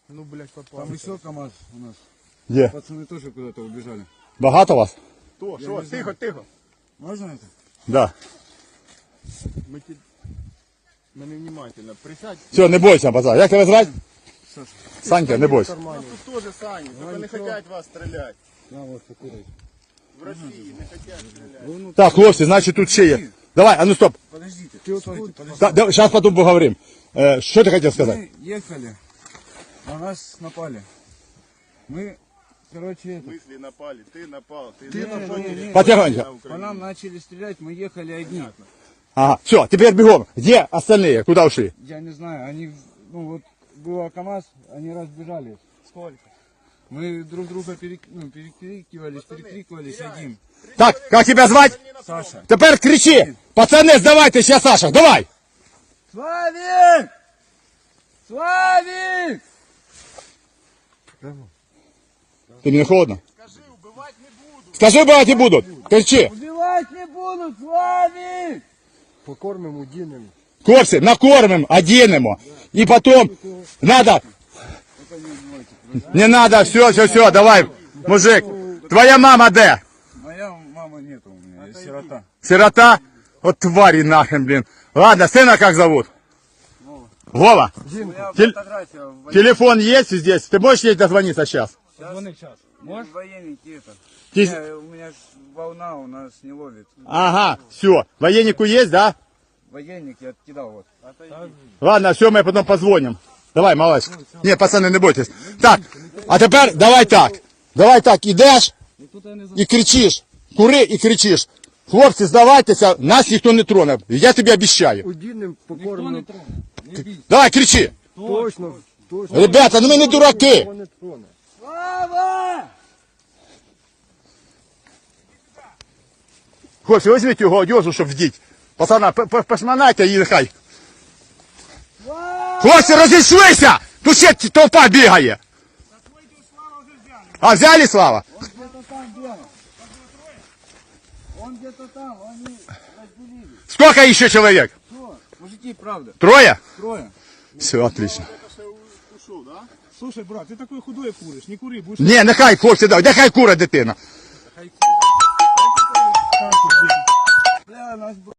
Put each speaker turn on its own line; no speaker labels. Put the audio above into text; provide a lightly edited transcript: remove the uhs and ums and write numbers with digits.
Ну, блядь, попал.
Там еще КамАЗ у нас.
Где?
Пацаны тоже куда-то убежали.
Багато вас?
Кто? Что? Тихо, тихо.
Можно это?
Да.
Мы невнимательно. Присядь.
Все, не бойся, пацан. Як тебе звати?
Саша.
Санька, не бойся.
У нас тут тоже Саня. Только не хотят вас стрелять.
На, вот, покурить.
В России не хотят стрелять.
Ну,
Так, хлопці, значить тут ще є. Давай, а ну стоп.
подождите. Стойте, подождите.
Сейчас потом поговорим. Что ты хотел сказать?
Мы ехали, на нас напали. Мы, короче,
В
это,
смысле напали? Ты напал.
Ты напал. Не,
Потихоньку.
по нам начали стрелять, мы ехали одни.
Ага, все, теперь бегом. Где остальные? Куда ушли?
Я не знаю, они, ну вот, было КамАЗ, они разбежались.
Сколько?
Мы друг друга перекрикивались одним.
Так, как тебя звать?
Саша.
Теперь кричи. Пацаны, сдавайте сейчас, Саша, давай.
Славик! Славик!
Ты мне холодно?
Скажи, убивать не буду.
Скажи, убивать не будут. Кричи.
Убивать не буду, Славик!
Покормим, удинем.
Хлопці, накормим, оденемо. И потом надо. Не надо, все, давай, мужик. Твоя мама где?
Моя мама нету у меня, я сирота.
Сирота? Вот твари нахрен, блин. Ладно, сына как зовут? Вова.
У меня
Тель-
фотография в
Телефон есть здесь? Ты можешь ей дозвониться сейчас?
сейчас. Может? Военники это.
Ти-
У меня ж волна у нас не ловит.
Ага, все. Военнику есть, да?
Военник я откидал вот.
Ладно, все, мы потом позвоним. Давай, малыш. Не, пацаны, не бойтесь. Так, а тепер давай так. Давай так, ідеш і кричиш. Кури і кричиш. Хлопці, здавайтеся, нас ніхто не троне. Я тобі обіцяю.
Удинем, покормим.
Давай, кричи.
Точно, точно.
Ребята, ну ми не дураки.
Не троне.
Слава!
Хлопці, візьміть його одежу, щоб вдіть. Пацана, пошманайте її нехай. Хлопці, розійшлися! Тут ще толпа бігає. А взяли, Слава?
Он где-то там был. Он где-то там, они разделились.
Сколько еще человек?
Что? Мужики, правда.
Трое?
Трое.
Все, отлично.
Слушай, брат, ты такой худой куришь. Не кури, будешь...
Ні, нехай, хлопці, нехай кура дитина.
Бля, нас